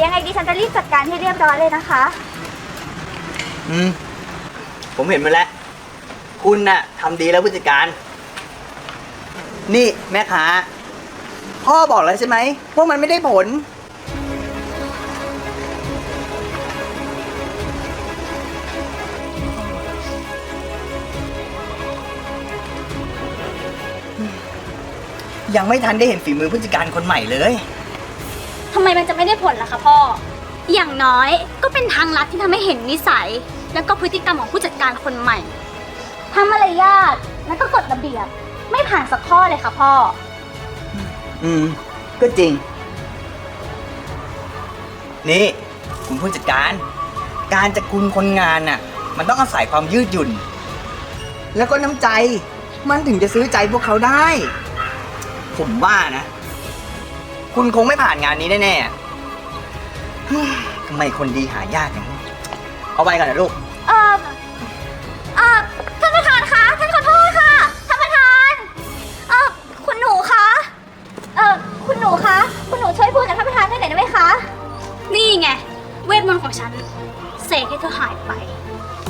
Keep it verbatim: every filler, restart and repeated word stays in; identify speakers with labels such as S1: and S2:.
S1: ยังไงดิฉันจะรีบจัดการให้เรียบร้อยเลยนะคะ
S2: อืม ผมเห็นมาแล้ว คุณน่ะทำดีแล้วผู้จัดการ นี่แม่ค้าพ่อบอกแล้วใช่ไหมพวกมันไม่ได้ผล ยังไม่ทันได้เห็นฝีมือผู้จัดการคนใหม่เลย
S3: ทำไมมันจะไม่ได้ผลล่ะคะพ่อ อย่างน้อยก็เป็นทางลัดที่ทำให้เห็นนิสัย แล้วก็พฤติกรรมของผู้จัดการคนใหม่ทั้งมารยาทแล้วก็กฎระเบียบ ไม่ผ่านสักข้อเลยค่ะพ่อ
S2: อืม ก็จริง นี่ คุณผู้จัดการ การจะคุมคนงานน่ะ มันต้องอาศัยความยืดหยุ่น แล้วก็น้ำใจ มันถึงจะซื้อใจพวกเขาได้ ผมว่านะ คุณคงไม่ผ่านงานนี้แน่ๆเฮ้ยทำไมคนดีหายากอย่างนี้เอาไปก่อนนะลูก
S1: เอ่อเอ่อท่านประธานคะท่านขอโทษค่ะท่านประธานเอ่อคุณหนูคะเอ่อคุณหนูคะคุณหนูช่วยพูดกับท่านประธานได้หน่อยได้ไหมคะ
S3: นี่ไง เวทมนต์ของฉันเสกให้เธอหายไป